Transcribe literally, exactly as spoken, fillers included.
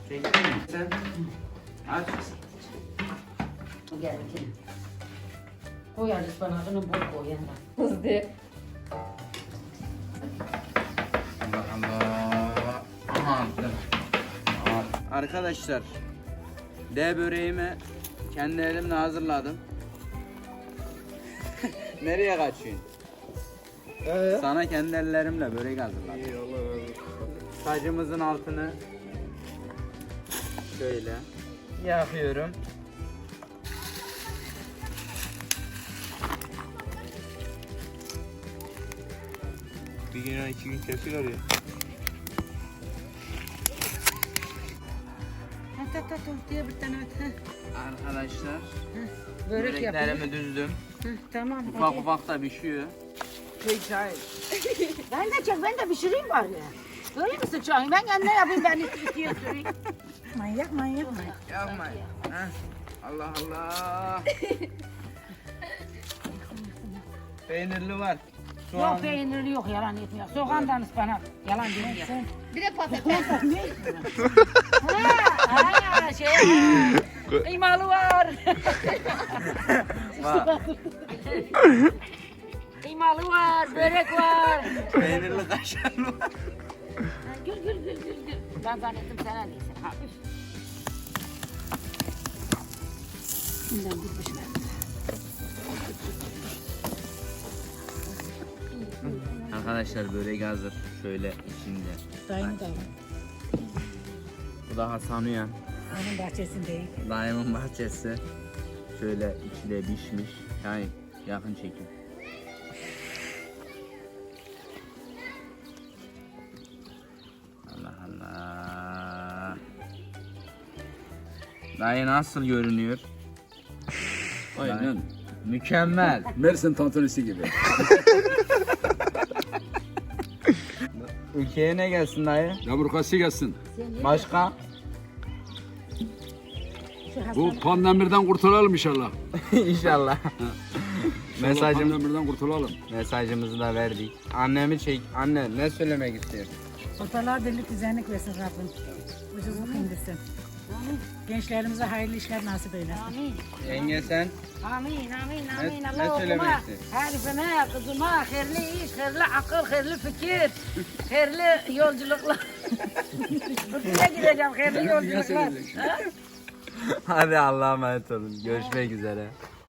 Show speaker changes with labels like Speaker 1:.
Speaker 1: Çektin mi? Sen aç.
Speaker 2: Gel gel. Koy hadi ıspanağını bol koy yanına. Hızlı.
Speaker 1: Allah Allah. Aha attım. Aha. Arkadaşlar, D böreğimi kendi elimle hazırladım. Nereye kaçıyorsun?
Speaker 3: Ee?
Speaker 1: Sana kendi ellerimle börek hazırladım.
Speaker 3: İyi Allah razı olsun.
Speaker 1: Sacımızın altını şöyle yakıyorum.
Speaker 3: Bir gün ya iki gün kesiyor ya.
Speaker 2: Ha ta ta ta diye bir tane at.
Speaker 1: Arkadaşlar,
Speaker 2: Börek yapayım.
Speaker 1: böreklerimi düzdüm.
Speaker 2: Hı, tamam.
Speaker 1: Ufak ufak da pişiyor.
Speaker 2: Çay çay. Ben de çek, ben de pişireyim bari. Böyle mi sıçrayım? Ben kendine yapayım, ben ikiye süreyim. Manyak manyak manyak.
Speaker 1: Yapmayın. Heh. Allah Allah. Peynirli var. Soğan.
Speaker 2: Yok peynirli yok, yalan etmiyor. Soğandan ıspanak, yalan değil ya.
Speaker 4: Bir de patates.
Speaker 2: Ha, ha, şey, ha. Kıymalı var.
Speaker 1: Var.
Speaker 2: Kıymalı var, börek var.
Speaker 1: Peynirli kaşarlı var.
Speaker 2: Ha, Gül gül gül gül gül. Ben zannettim sana değilsin. Ha, üf. Bundan bir pişmez.
Speaker 1: Arkadaşlar börek hazır. Şöyle içinde.
Speaker 2: Dayım da
Speaker 1: Bu da Hasan Uyan.
Speaker 2: onun bahçesindeyim.
Speaker 1: Dayımın bahçesi. Şöyle içi de pişmiş. Yani yakın çekim. Allah Allah. Dayı nasıl görünüyor?
Speaker 3: Aynen.
Speaker 1: Mükemmel.
Speaker 3: Mersin tantunisi gibi.
Speaker 1: Ülkeye ne gelsin dayı?
Speaker 3: Yamurkası gelsin.
Speaker 1: Başka?
Speaker 3: Bu pandemirden kurtulalım inşallah.
Speaker 1: İnşallah. Mesajım,
Speaker 3: Pandemirden kurtulalım.
Speaker 1: mesajımızı da verdik. Annemi çek. Anne ne söylemek istiyorsun?
Speaker 5: Ortalığa birlik düzenlik versin Rabbim. Ucuzluk indirsin. Gençlerimize hayırlı işler nasip eylesin.
Speaker 2: Amin.
Speaker 1: Yenge sen?
Speaker 2: Amin, amin, amin.
Speaker 1: Ne-
Speaker 2: Allah
Speaker 1: ne
Speaker 2: okuma.
Speaker 1: söylemek istiyorsun?
Speaker 2: Herifime, kızıma, hayırlı iş, hayırlı akıl, hayırlı fikir, hayırlı yolculuklar. Buraya gideceğim, hayırlı yolculuklar. Ha?
Speaker 1: Hadi Allah'a emanet olun. Görüşmek üzere.